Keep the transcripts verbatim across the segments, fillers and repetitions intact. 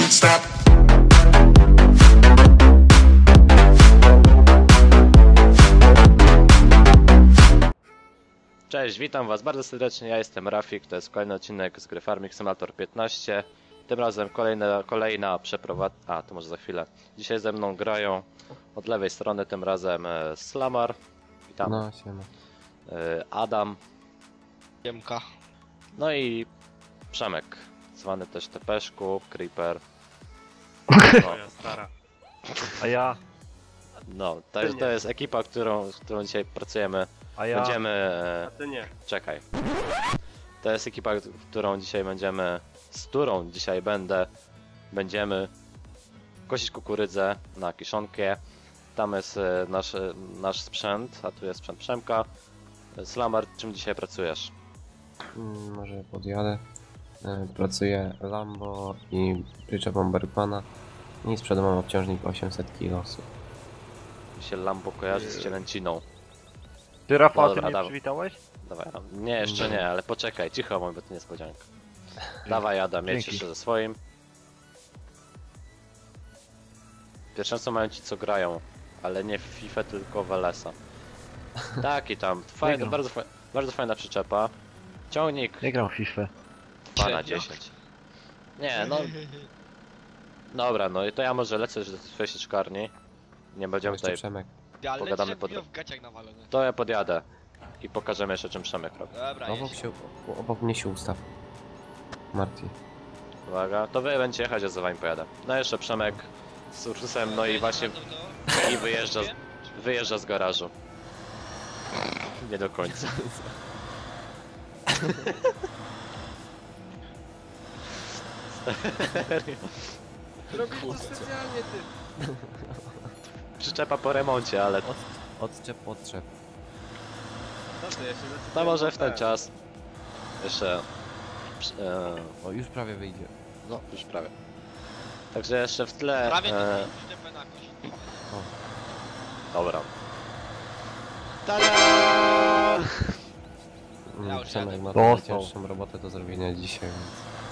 stop. Cześć, witam was bardzo serdecznie, ja jestem Rafik, to jest kolejny odcinek z gry Farming Simulator piętnaście. Tym razem kolejna, kolejna przeprowadzka, a to może za chwilę. Dzisiaj ze mną grają od lewej strony, tym razem e, Slamar, witam, No, siema. e, Adam, Siemka. no i Przemek, zwany też Tepeszku, Creeper. No, Ja stara. A ja, no to, jest, to jest ekipa, którą, z którą dzisiaj pracujemy. a ja. Będziemy... e, A ty nie. Czekaj. To jest ekipa, którą dzisiaj będziemy, z którą dzisiaj będę, będziemy kosić kukurydzę na kiszonkę. Tam jest e, nasz, e, nasz sprzęt, a tu jest sprzęt Przemka. Slamar, czym dzisiaj pracujesz? Mm, może podjadę. E, pracuję Lambo i przyczepą Bergmana. I z przodu mam obciążnik osiemset kilogramów. Mi się Lambo kojarzy z cielęciną. Ty Rafał, No ty dobra, mnie dawaj. przywitałeś? Dawaj, Adam. Nie, jeszcze nie, ale poczekaj, cicho mój, bo to niespodzianka. Dawaj Adam, jedź Dzięki. jeszcze ze swoim. Pierwsze co mają ci co grają, ale nie w FIFA, tylko w L S a. Tak i tam, fajna, gram. bardzo, fa bardzo fajna przyczepa. Ciągnik Nie gram w FIFA. dwa na Średnio. dziesięć. Nie, no... Dobra, no i to ja może lecę już do swojej sieczkarni. Nie będziemy Jeszcze tutaj... Przemek. Ale Pogadamy dzisiaj pod- w gaciach nawalone. To ja podjadę. I pokażemy jeszcze czym Przemek robi. Dobra, Obok, jedź. się, obok mnie się ustaw. Marty. Uwaga, to wy będziecie jechać, a za wami pojadę. No jeszcze Przemek z Ursusem, no i właśnie i wyjeżdża, z- wyjeżdża z garażu. Nie do końca. Serio. Robisz to specjalnie, ty. Przyczepa po remoncie, ale Od, odczep, odczep. to może w ten czas. Jeszcze... E, O, już prawie wyjdzie. no, już prawie. Także jeszcze w tle... Prawie to E, przyczepę na kość. dobra. Tada! Mm, Ja już Przemek jadę. ma Dostał. najcięższą robotę do zrobienia dzisiaj, więc...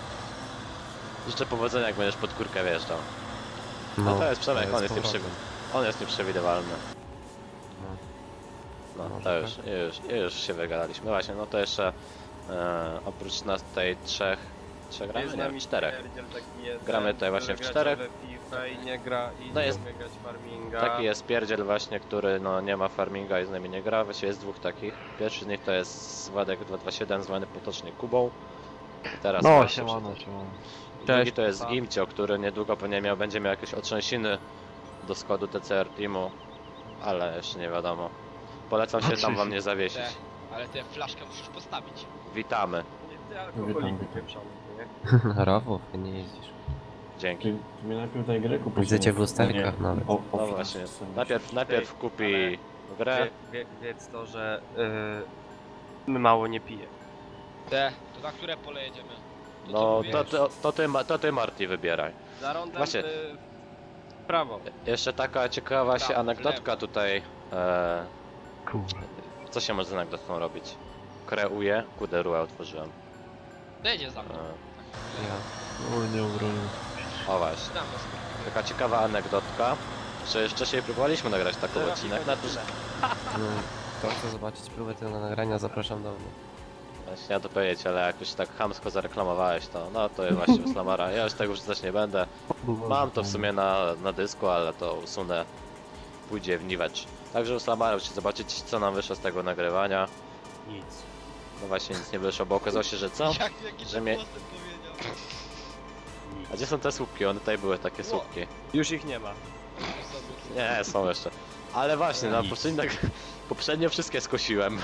Życzę powodzenia, jak będziesz pod kurkę wjeżdżał. No, No to jest Przemek, on jest, powrotem. nieprzewi- on jest nieprzewidywalny. No. No Może to tak? już, już, już się wygadaliśmy. No właśnie, no to jeszcze e, oprócz nas tutaj trzech, trzech gramy? Jest z Nie, nami czterech. pierdziel taki jeden, Gramy tutaj właśnie w który czterech. gracza we FIFA i nie gra i No nie jest- umie grać farminga. Taki jest pierdziel właśnie, który no nie ma farminga i z nami nie gra. Właściwie jest dwóch takich. Pierwszy z nich to jest Władek dwa dwa siedem, zwany potocznie Kubą. I teraz No, właśnie siemano, siemano. drugi Cześć. to jest Gimcio, który niedługo pewnie miał, będzie miał jakieś otrzęsiny do składu T C R Teamu, ale jeszcze nie wiadomo. Polecam się tam wam nie zawiesić. Te, ale tę flaszkę musisz postawić. Witamy. Nie ty alkoholiku pieprzony, nie? Rafał, ty nie jeździsz. Dzięki. Ty, ty mnie najpierw daj grę kupić. Widzę cię w lusterkach nawet. O, o, No właśnie. Najpierw, najpierw kupi grę. Wie, wie, wiedz to, że yy, my mało nie pije. Te, to na które pole jedziemy? To co No mówisz? to, to, to, ty, Ma- to ty Marty wybieraj. Za rondem Właśnie. yy, w prawo. Jeszcze taka ciekawa się Prawo, anegdotka lewo. tutaj. E, Kurwa. co się może z anegdotką robić? Kreuję, kuderuę otworzyłem. Jedzie za mną. E, Ja. O, nie obronił. o właśnie. Znam was. Taka ciekawa anegdotka. Że już wcześniej próbowaliśmy nagrać taki Teraz odcinek. i Na to, że... No, kto chce zobaczyć próbę tego nagrania, zapraszam do mnie. Właśnie ja to powiedzieć, ale jak już tak chamsko zareklamowałeś to, no to jest właśnie u Slamara. Ja już tego wrzucać nie będę. Mam to w sumie na, na dysku, ale to usunę. Pójdzie w niwecz. Także u Slamara musicie zobaczyć, co nam wyszło z tego nagrywania. Nic. No właśnie nic nie wyszło, bo okazało się, że co? Jak, jaki Że że mnie- mnie... powiedział. A gdzie są te słupki? One tutaj były takie słupki. Już ich nie ma. Nie, są jeszcze. Ale właśnie, na poprzednio, poprzednio wszystkie skosiłem.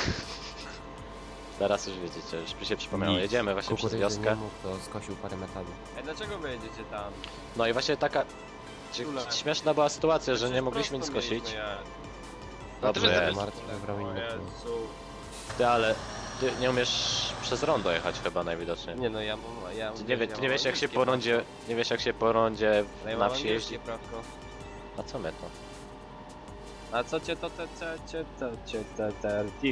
Teraz już widzicie, już mi się przypomniało. Nic. Jedziemy właśnie przez Kukurydzy wioskę. nie mógł, to skosił parę metalu. Ej, dlaczego wy jedziecie tam? No i właśnie taka cie- Ule. śmieszna była sytuacja, że nie Przecież mogliśmy nic prosto skosić. mieliśmy jechać. No to Dobrze, wy jest. Marty wybrał O inny kół. Jezu. Ty, ale ty nie umiesz przez rondo jechać chyba najwidoczniej. Nie no, ja mam... Ja Ty nie, wie, ja ty nie mam wiesz jak się angielskie po rondzie, prawko. nie wiesz jak się po rondzie No ja na mam wsi jeździ. angielskie prawko. A co my to? A co cię to te te cię te cię te te team?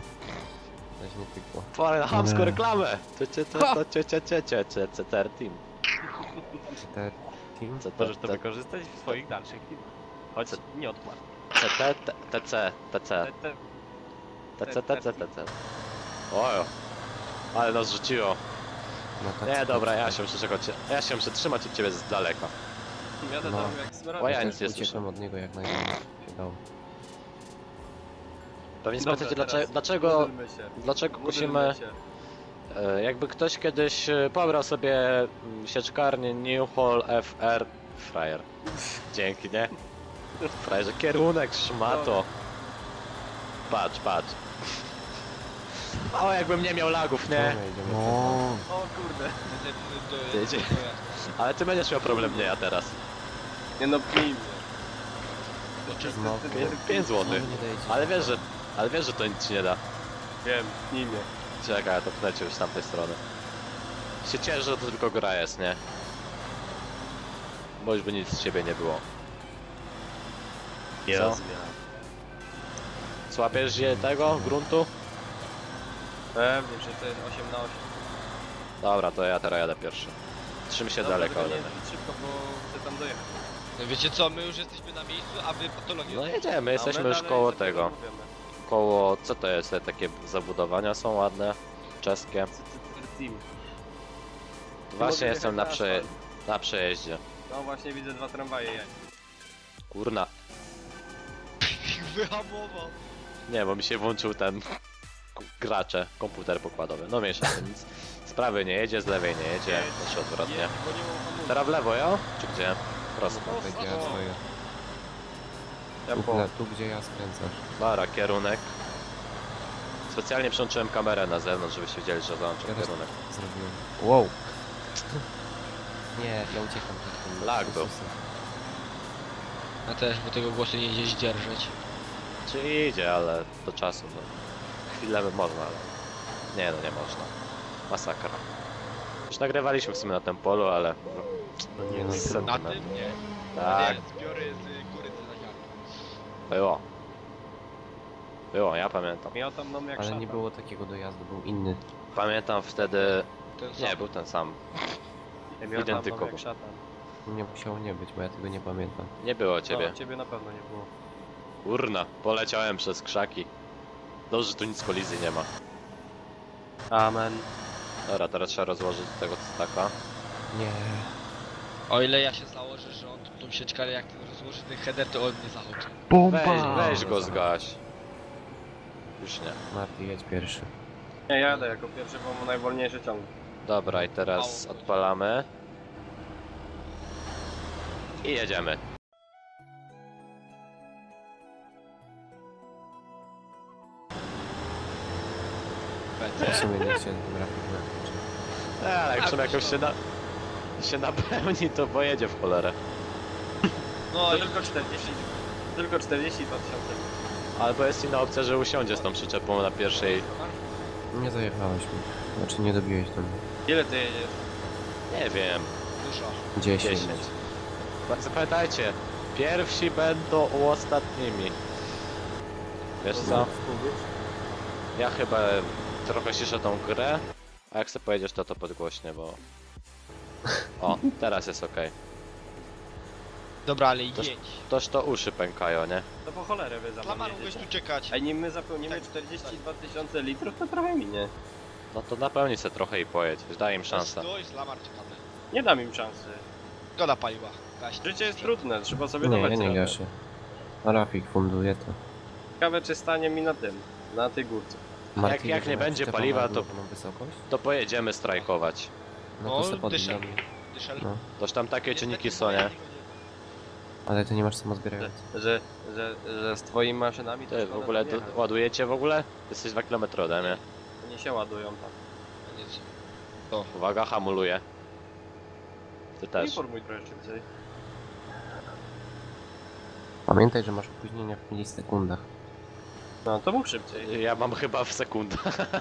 Weź nie pykło. Pora na chamską Nie. reklamę! Cie, cie, cie, to, cie, cie, cie, cie, cie, cie, ter team. Te team? C T, Możesz to wykorzystać w swoich dalszych filmach. Choć nie odkład. C T, T C, T C, T C, T C, T C. Ojo, ale nas rzuciło. No tak, Nie, tak, dobra, ja tak. się muszę czekać, ja się muszę trzymać od ciebie z daleka. Jadę No. tam jak zbierałem. O ja Też nic nie uciekłem słyszę. od niego jak najdalej się dało. Pewnie Dobra, spytacie, teraz dlaczego, dlaczego, módlmy się. dlaczego Módlmy kusimy, się. e, jakby ktoś kiedyś e, pobrał sobie mm, sieczkarnię New Hall F R, frajer. Dzięki, nie? Frajerze, kierunek, szmato. Patrz, patrz. O, jakbym nie miał lagów, nie? Dobra, idziemy No. O kurde. Jedzie. Ale ty będziesz miał problem, nie ja teraz. Nie no, pnij mnie. No, pięć znowu złotych. nie dajecie Ale się. wiesz, że, ale wiesz, że to nic ci nie da. Wiem, pnij mnie. Czekaj, ja to pnę cię już z tamtej strony. Się cieszę, że to tylko gra jest, nie? Bo już by nic z ciebie nie było. Co? Słapiesz je tego, gruntu? Pewnie, że to jest osiem na osiem. Dobra, to ja teraz jadę pierwszy. Trzym się Dobra, daleko tylko ode nie mnie. zbyt szybko, bo chcę tam dojechać. No wiecie co, my już jesteśmy na miejscu, a wy patologię. No jedziemy, A jesteśmy my już dalej koło sobie tego. rozmawiamy. Koło, co to jest? Te takie zabudowania są ładne, czeskie. C- C- C- Team. Właśnie Mogę jestem na, jechać prze... asfalt. na przejeździe. No właśnie widzę dwa tramwaje. Ja. Kurna. Wyhamował. Nie, bo mi się włączył ten k- gracze, komputer pokładowy. No mniejsza to nic. Z prawej nie jedzie, z lewej nie jedzie, Jedź, znaczy odwrotnie. Jedź, bo nie mam hamulca. Teraz w lewo, jo? Czy gdzie? Prosto. No, Tak, o, ja o. swoje. Ja Tu, po. na- tu gdzie ja skręcasz. Dobra, kierunek. Specjalnie przełączyłem kamerę na zewnątrz, żebyście wiedzieli, że załączam Teraz- kierunek. Zrobiłem. Wow! Nie, ja uciekam przed tym. Lag był. Jesusem. Ja też, bo tego głosu nie idzie zdzierżyć. Czy idzie, ale do czasu, no. Chwilę by można, ale... Nie, no nie można. Masakra. Już nagrywaliśmy w sumie na tym polu, ale... No nie, no Z trudno. Na sentymentem. tym nie. Tak, Nie, zbiory z góry z zaziarki. było. Było, ja pamiętam. Ja tam mam jak Ale szatan. nie było takiego dojazdu, był inny. Pamiętam wtedy... Ten sam. Nie, był ten sam. Ja tam identykowo. mam jak szatan. Nie musiało nie być, bo ja tego nie pamiętam. Nie było ciebie. No, ciebie na pewno nie było. Urna, poleciałem przez krzaki. Dobrze, że tu nic kolizji nie ma. Amen. Dobra, teraz trzeba rozłożyć tego staka. Nie. O ile ja się założę, że on tą sieczkarę jak ten rozłoży ten header, to on mnie zahaczy. Bomba! Weź, weź go zgaś. Już nie. Marty, jedź pierwszy. Nie, jadę jako pierwszy, bo mam najwolniejszy ciąg. Dobra, i teraz odpalamy. I jedziemy. W sumie nie chciałem tym grafik napić. E, ale jak Tak, czym jakoś się, na, się napełni, to pojedzie w cholerę. No To i tylko czterdzieści. Tylko czterdzieści dwa tysiące. Albo jest inna opcja, że usiądzie z tą przyczepą na pierwszej. Nie zajechałeś mi. Znaczy nie dobiłeś tam. Ile ty jedziesz? Nie wiem, dużo. dziesięć. dziesięć. Zapamiętajcie, pierwsi będą ostatnimi. Wiesz co? Ja chyba trochę ciszę tą grę, a jak sobie pojedziesz to to podgłośnie, bo... O, teraz jest okej. Dobra, ale Toż- jedź. Toż to uszy pękają, nie? To po cholerę wy za Klamar, mną mógłbyś jedziecie. tu czekać. A nim my zapełnimy czterdzieści dwa tysiące litrów, to trochę minie. No to napełnij se trochę i pojedź, daj im szansę. Stój, Lamar, czekamy. Nie dam im szansy. Goda paliła. Gaś. Życie jest trudne, trzeba sobie Nie, dawać ja nie radę. gaszę. A Rafik funduje to. Ciekawe czy stanie mi na tym, na tej górce. Marty, jak nie jeżeli będzie przyczepa paliwa, ma to- równą wysokość? To pojedziemy strajkować. No O, to se podbij. dyszel. Dyszel. No. Toż tam takie Niestety czynniki są, nie? moja Ale ty nie masz Że, samozbierający. że, że, że z twoimi maszynami to Ty w szkoda ogóle tam do, jechać. ładujecie w ogóle? Jesteś dwa kilometry ode mnie. Oni się ładują tam. Koniec. Uwaga, hamuluję. Ty też. Informuj trochę szybciej. Pamiętaj, że masz opóźnienia w milisekundach. No to mów szybciej. Ja mam chyba w sekundę.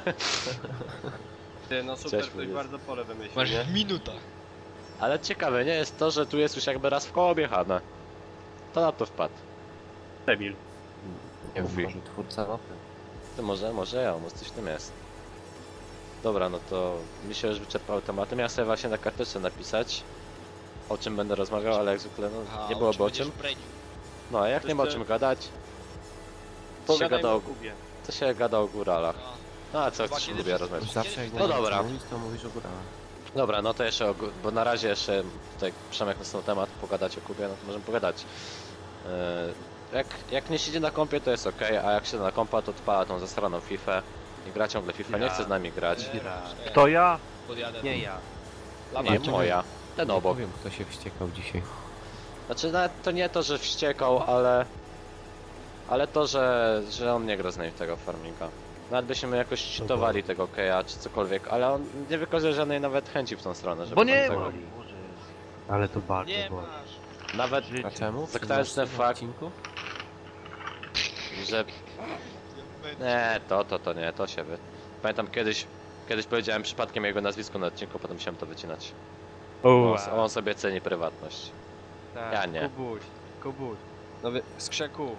Ty, no super, Cześć, ktoś Luis. bardzo pole wymyślił, Masz nie? w minutach. Ale ciekawe nie jest to, że tu jest już jakby raz w koło objechane. To na to wpadł. Debil. Nie Mówi. wiem, może twórca mapy. To może, może ja, może coś w tym jest. Dobra, no to mi się już wyczerpały tematy. Miałem sobie właśnie na karteczce napisać. o czym będę rozmawiał, ale jak zwykle no, A, nie byłoby o będziesz czym. brenił? No, a jak nie ma o Jeszcze- czym gadać, to się Pogadajmy gada o o, Kubie. to się gada o góralach. No. No a co Chyba chcesz kiedy lubię wszyscy- rozmawiać? Zawsze jak No na dobra. mówisz, to mówisz o górach. Dobra, no to jeszcze o, gó- bo na razie jeszcze tutaj Przemek nas na temat pogadać o Kubie, no to możemy pogadać. Yy, jak, jak nie siedzi na kompie to jest ok, a jak siedzi na kompa to odpala tą zasraną FIFA i gra ciągle FIFA, nie Ja. chce z nami grać. Nie, nie, To ja? Podjadę. Nie ja. Nie moja, ten Nie obok. powiem, kto się wściekał dzisiaj. Znaczy nawet to nie to, że wściekał, ale... Ale to, że, że on nie gra z nami w tego farminga. Nawet byśmy jakoś cheatowali tego Keja czy cokolwiek, ale on nie wykazuje żadnej nawet chęci w tą stronę, żeby Bo tam nie tego... boli. Ale to bardzo Nie boli. masz. Nawet, A czemu? Zakładając ten W fakt- odcinku? że... Nie, to, to, to nie, to się wy... Pamiętam kiedyś, kiedyś powiedziałem przypadkiem jego nazwisko na odcinku, potem musiałem to wycinać. O, On, on sobie ceni prywatność. Tak. Ja nie. Kubuś, Kubuś. No wy... z krzeku.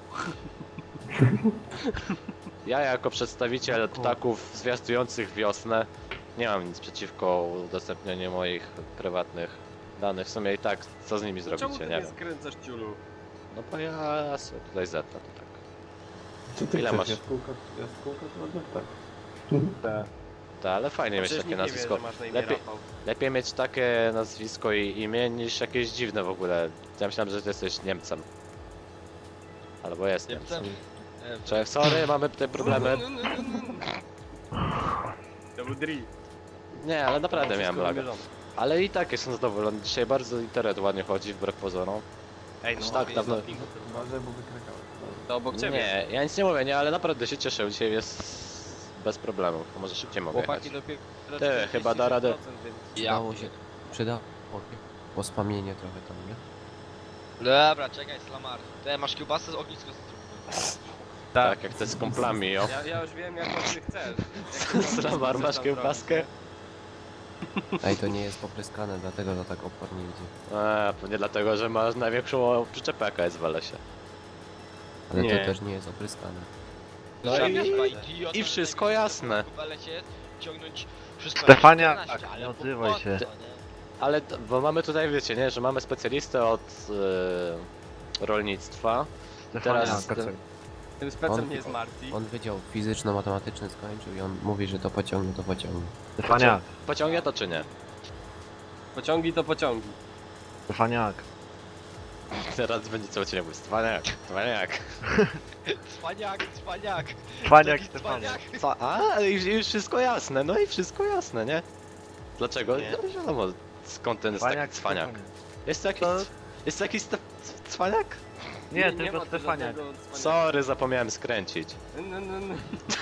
Ja jako przedstawiciel ptaków zwiastujących wiosnę nie mam nic przeciwko udostępnianiu moich prywatnych danych. W sumie i tak, co z nimi Czemu zrobicie, ty nie nie wiem. skręcasz ciulu? No bo ja sobie tutaj zetnę, to tak. Co ty Ile chcesz? masz? Jaskółka, jaskółka to ładnie tak. Tak. Ta, ale fajnie mieć Przecież takie nikt nie wie, nazwisko. że masz na imię Lepiej, Rafał. lepiej mieć takie nazwisko i imię niż jakieś dziwne w ogóle. Ja myślałem, że ty jesteś Niemcem. Albo jest Niemcem. Niemcem? Nie wiem. Cześć, sorry, mamy te problemy. To był Dri. Nie, ale naprawdę miałem Wszystko laga. wymierzone. Ale i tak jestem zadowolony. Dzisiaj bardzo internet ładnie chodzi, wbrew pozorom. Ej, Już no tak jest dawno- na pingu tylko. Uważaj, bo wykrakałeś. To obok ciebie. Nie, ja nic nie mówię, nie, ale naprawdę się cieszę. Dzisiaj jest bez problemu. To może szybciej mogę jechać. Chłopaki dopiero... Ty, chyba da radę. Więc... Przydało się, przydało pospamienie trochę tam, nie? Dobra, czekaj, Slamar. Ty masz kiełbasę z ognisko zróbmy. Tak, jak chcę z kumplami, jo. Ja, ja już wiem jak on ty chcesz. Slamar, masz kiełbaskę? Ej, to nie jest popryskane, dlatego to tak opornie idzie. Eee, pewnie dlatego, że masz największą przyczepę jaka jest w Alesie. Ale Nie. to też nie jest opryskane. No Żadna i, chyba idiota, i że wszystko tego jasne. w balecie ciągnąć wszystko Stefania, na czternaście, tak, ale nie po odzywaj co, się. nie? Ale, t- bo mamy tutaj, wiecie, nie, że mamy specjalistę od e, rolnictwa. Teraz- Stefania, Tym specem On- nie jest Marty. On wydział fizyczno-matematyczny skończył i on mówi, że to pociągnie, to pociągnie. Stefania, Pociągnie to czy nie? Pociągi to pociągi. Stefaniak. Teraz będzie co cię mówić. Cwaniak, cwaniak. Cwaniak, cwaniak. Cwaniak, Taki Stefaniak. Co? A, już, już wszystko jasne, no i wszystko jasne, nie? Dlaczego? Nie. No wiadomo, skąd ten jest taki Cwaniak, cwaniak. Stefaniak. Jest to jakiś, To- jest to jakiś ste, cwaniak? Nie, ma tylko tu Stefaniak. żadnego cwaniaka. Sorry, zapomniałem skręcić. N- n- n-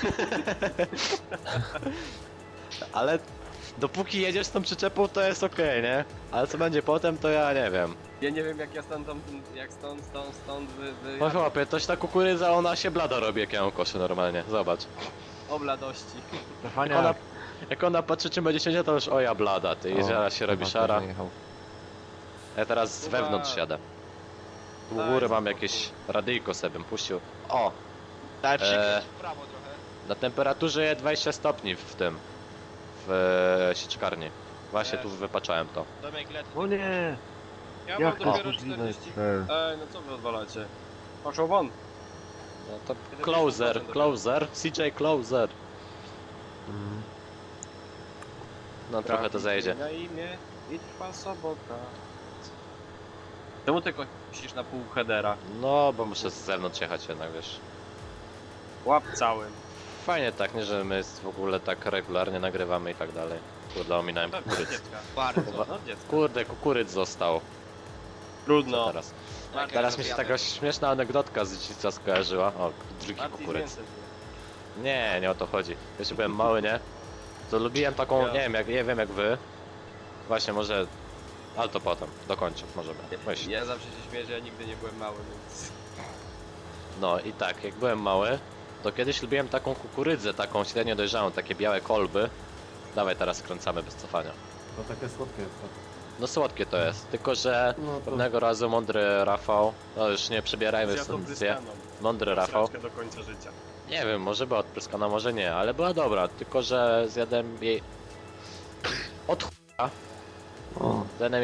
Ale dopóki jedziesz z tą przyczepą to jest okej, nie? Ale co będzie potem to ja nie wiem. Ja nie wiem jak ja stąd, tam, jak stąd, stąd, stąd wy, wy No chłopie, toś ta kukurydza ona się blada robi jak ja ją koszę normalnie, zobacz. obladości. Jak ona, Stefaniak. jak ona patrzy czy będzie siedziała to już oja blada, ty i O, zaraz się robi chyba szara. ktoś najechał. Ja teraz z Kuba. wewnątrz jadę. Tu u Daj góry mam spokój. jakieś radyjko sobie bym puścił. O! Daj Eee. przykręć w prawo trochę. Na temperaturze dwadzieścia stopni w tym. W e, sieczkarni. Właśnie tu Jest. wypaczałem to. Domek let. O nie. Ja Jak mam to dopiero jest możliwe? czterdzieści... Ej, no co wy odwalacie? Poszło won. No to closer, closer, C J closer. Mm. No trochę to zajedzie. Na imię i trwa sobota. Czemu ty kosisz na pół headera? No bo muszę z zewnątrz jechać jednak, wiesz. Łap całym. Fajnie tak, nie, że my w ogóle tak regularnie nagrywamy i tak dalej. Kurde, ominąłem Pewnie kukurydz. dziecka. Bardzo. No dziecko. Kurde, kukurydz został. Co Trudno. teraz? Tak, Teraz mi się jadę. taka śmieszna anegdotka z dzieciństwa skojarzyła. O, drugi Marty kukurydz. więcej wie. Nie, nie o to chodzi. Jeszcze byłem mały, nie? To lubiłem taką, Ja. nie wiem jak, nie wiem jak wy. Właśnie może... Ale to potem, dokończę, możemy. Myśl. Ja zawsze się śmieję, że ja nigdy nie byłem mały, więc... No i tak, jak byłem mały, to kiedyś lubiłem taką kukurydzę, taką średnio dojrzałą, takie białe kolby. Dawaj teraz skręcamy bez cofania. To takie słodkie jest to. No słodkie to jest, tylko że No to pewnego razu mądry Rafał, no już nie przebierajmy Ja w to sensie, pryskaną. mądry Rafał, Sraczkę do końca życia. nie wiem, może była odpryskana, może nie, ale była dobra, tylko że zjadłem jej od ch**a, O, zjadłem jej w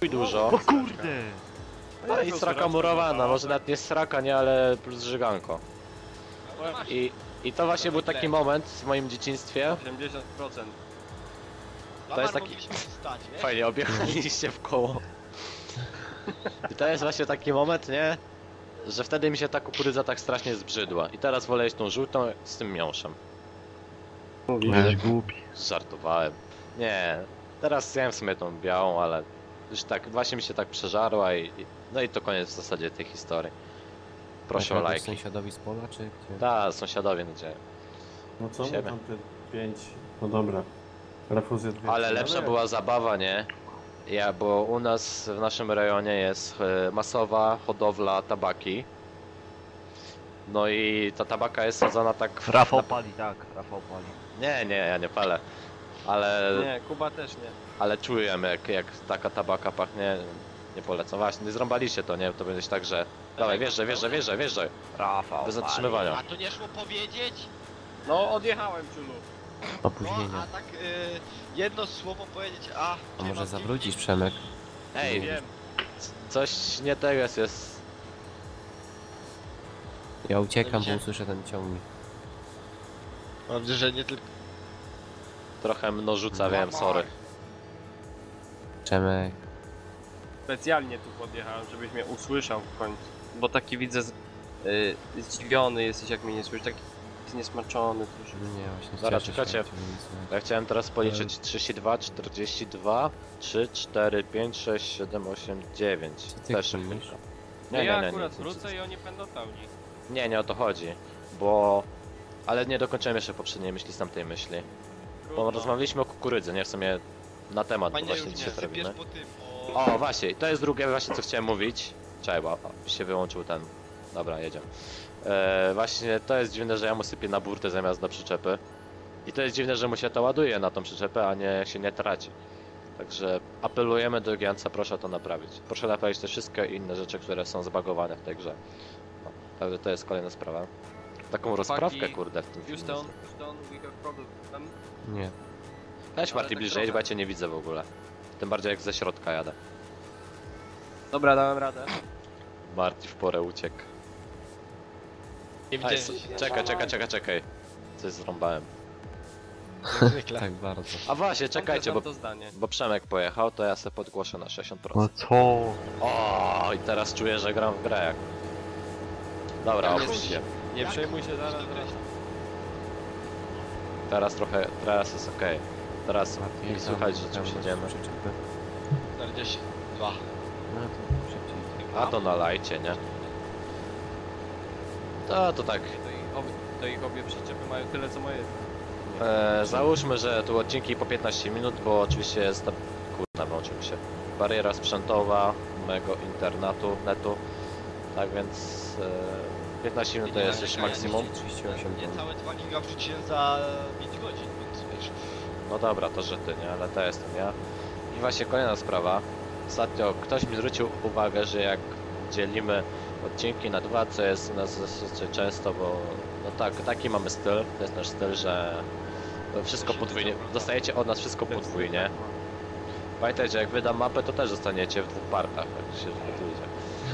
chuj dużo. O kurde! No i sraka murowana, może nawet nie sraka, nie, ale plus żyganko. I, I to właśnie był taki moment w moim dzieciństwie. osiemdziesiąt procent. To jest taki... Fajnie, objechaliście w koło. I to jest właśnie taki moment, nie? Że wtedy mi się ta kukurydza tak strasznie zbrzydła. I teraz wolę jeść tą żółtą z tym miąższem. Jesteś głupi. Żartowałem. Nie, teraz zjem w sumie tą białą, ale już tak, właśnie mi się tak przeżarła i... i no i to koniec w zasadzie tej historii. Proszę o Jakoś lajki. sąsiadowi z pola, czy gdzie? Da, sąsiadowie nadzieję. No co, Siebie. my tam te pięć... No dobra. Refuzję dwie. Ale No lepsza jak? była zabawa, nie? Ja, bo u nas w naszym rejonie jest e, masowa hodowla tabaki. No i ta tabaka jest sadzona tak... Rafał na- pali, tak, Rafał pali. Nie, nie, ja nie palę. Ale, Nie, Kuba też nie. ale czuję jak, jak taka tabaka pachnie. Nie polecam. Właśnie, zrąbaliście to, nie? To będzie tak, że... Dawaj, wjeżdżaj, wjeżdżaj, wjeżdżaj, wjeżdżaj. Rafał Bez pali. zatrzymywania. A to nie szło powiedzieć? No, odjechałem, Czulu. No, Opóźnienia. a tak y, jedno słowo powiedzieć, a... A może zawrócić, Przemek? Ej, Wiem. coś nie tego jest, jest... Ja uciekam, bo Gdzie? usłyszę ten ciągnik. Mam nadzieję, że nie tylko... Trochę mno rzuca, wiem, sorry. Przemek. Specjalnie tu podjechałem, żebyś mnie usłyszał w końcu. Bo taki widzę z, y, zdziwiony jesteś, jak mnie nie słyszysz. Taki zniesmaczony też. Nie, właśnie Dobra, cieszę się, czekajcie. jak cię nie słychać. Ja chciałem teraz policzyć trzydzieści dwa, czterdzieści dwa, trzy, cztery, pięć, sześć, siedem, osiem, dziewięć. Co ty Też kminisz? szybko. No Nie, ja nie, nie, akurat nie, wrócę i oni będą pełni. nie, nie o to chodzi, bo... Ale nie dokończyłem jeszcze poprzedniej myśli z tamtej myśli. Bo rozmawialiśmy o kukurydzy, nie? W sumie na temat to Panie właśnie Równie, dzisiaj to sypiesz robimy. po tym, o... O, właśnie, i to jest drugie właśnie co chciałem mówić. Czekaj, bo o, się wyłączył ten... Dobra, jedziemy. E, właśnie to jest dziwne, że ja mu sypię na burtę zamiast na przyczepy. I to jest dziwne, że mu się to ładuje na tą przyczepę, a nie się nie traci. Także apelujemy do Giantsa, proszę to naprawić. Proszę naprawić te wszystkie inne rzeczy, które są zbagowane w tej grze. No, także to jest kolejna sprawa. Taką rozprawkę, kurde, w tym filmie. Houston, Houston, we have problem. Nie. Weź ale Marty tak bliżej, trochę. bo ja cię nie widzę w ogóle. Tym bardziej jak ze środka jadę. Dobra, dałem radę. Marty w porę uciekł. Nie Aj, widziałem s- czekaj, czekaj, czekaj, czekaj. Coś zrąbałem. jak zwykle. Tak bardzo. A właśnie, czekajcie, bo, to zdanie. bo Przemek pojechał, to ja sobie podgłoszę na sześćdziesiąt No procent. co? O, i teraz czuję, że gram w grę jak... Dobra, Jak opuść jest- się. Nie Jak? przejmuj się, zaraz, Dobrze. zaraz. Teraz trochę, teraz jest okej. Teraz Martin, nie jak słychać, tam że czymś pełność jedziemy. przyczepy? czterdzieści dwa. No to szybciej. A to nalajcie, nie? To, to tak. To ich, obie, to ich obie przyczepy mają tyle, co moje. E, załóżmy, że tu odcinki po piętnaście minut, bo oczywiście jest ta... Kurna, włączył mi się. Bariera sprzętowa mego internatu, netu. Tak więc... E, piętnaście minut to Nie, jest nie, już nie, maksimum. trzydzieści osiem Nie ton. całe dwa giga wrzuciłem za pięć godzin, więc wiesz. No dobra, to że ty, nie? Ale to jestem ja. I właśnie kolejna sprawa. Ostatnio ktoś mi zwrócił uwagę, że jak dzielimy odcinki na dwa, co jest u nas dosyć często, bo no tak, taki mamy styl, to jest nasz styl, że wszystko podwójnie, dostajecie od nas wszystko podwójnie. Pamiętajcie, że jak wydam mapę, to też zostaniecie w dwóch partach, jak się zgotujecie.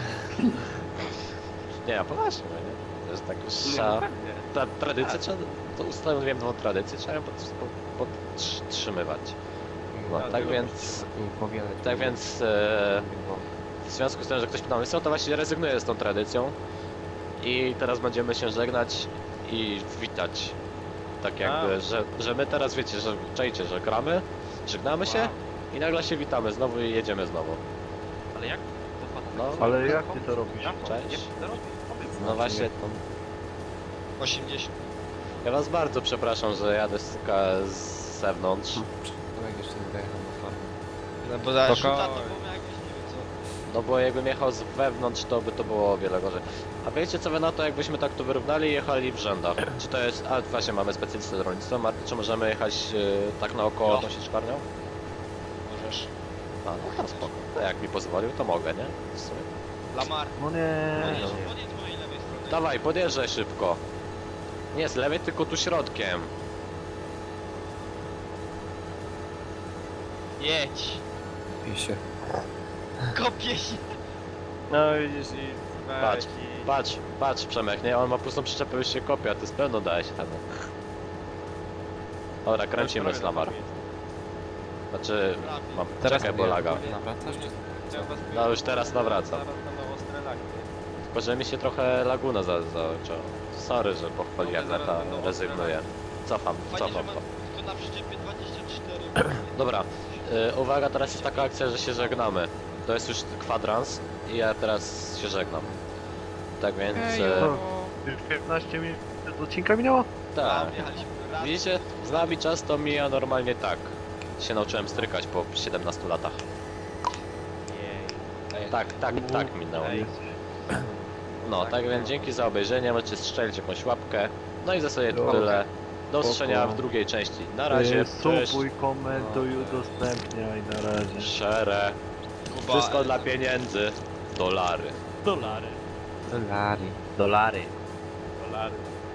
Nie, ja poważnie, nie? To jest tak już trzeba, ta tradycja, trzeba, to ustanowiłem nową tradycję, trzeba ją pod- pod- podtrzymywać. No, tak więc, I powielać. tak więc e, w związku z tym, że ktoś pytał, co to właśnie rezygnuję z tą tradycją i teraz będziemy się żegnać i witać. Tak jakby, że, że my teraz wiecie, że czajcie, że gramy, żegnamy się i nagle się witamy znowu i jedziemy znowu. Ale jak? No, Ale jak ty to robisz? Cześć. Jak ty to robisz? Powiedz. No właśnie, osiemdziesiąt. ja was bardzo przepraszam, że jadę z, z zewnątrz. Jak jeszcze nie dojechał do farmy. No bo za Spoko. rzuta to było jakieś, nie wiem co. No bo jakbym jechał z wewnątrz, to by to było o wiele gorzej. A wiecie co wy na to, jakbyśmy tak to wyrównali i jechali w rzędach? Czy to jest... A właśnie, mamy specjalistę z rolnictwa. Marty, czy możemy jechać yy, tak naokoło No. tą sieczkarnią? Możesz. A, no to spoko. To jak mi pozwolił, to mogę, nie? W sumie. Lamar. No nie. Podjedź, podjedź z mojej lewej strony. Dawaj, podjeżdżaj szybko. Nie z lewej, tylko tu środkiem. Jedź. Pie się. Kopie się! No widzisz i... Patrz, i- Patrz, patrz Przemek, nie? On ma pustą przyczepę, już się kopia, to z pewno daje się temu. Dobra, kręcimy Prawie Slamar. na miejscu. Znaczy, Prawie. mam, Teraz czekaj, bo laga. Nawracasz czy... Chciałem was No już teraz nawracam. Zaraz będą ostre lagi. Tylko, że mi się trochę laguna za, zaczęła. Sorry, że po chwili jak Zaraz lata będą rezygnuję. Cofam, Fajnie, że cofam mam to. tylko na przyczepie dwadzieścia cztery. Dobra, y, uwaga, teraz jest taka akcja, że się żegnamy. To jest już kwadrans i ja teraz się żegnam. Tak więc, y, Już piętnaście minut do odcinka minęło? tak. Jechaliśmy raz. Widzicie, z nami czas to mija normalnie tak. Się nauczyłem strykać po siedemnastu latach. Jej. Tak, tak, tak minęło. Ej. No, tak więc dzięki za obejrzenie, możecie strzelić jakąś łapkę. No i za sobie to Dobra. tyle. Do Spoko. usłyszenia w drugiej części. Na razie, cześć. Subuj, komentuj, udostępniaj, na razie. Szere. Kuba, Wszystko dla pieniędzy. Dolary. Dolary. Dolary. Dolary. Dolary.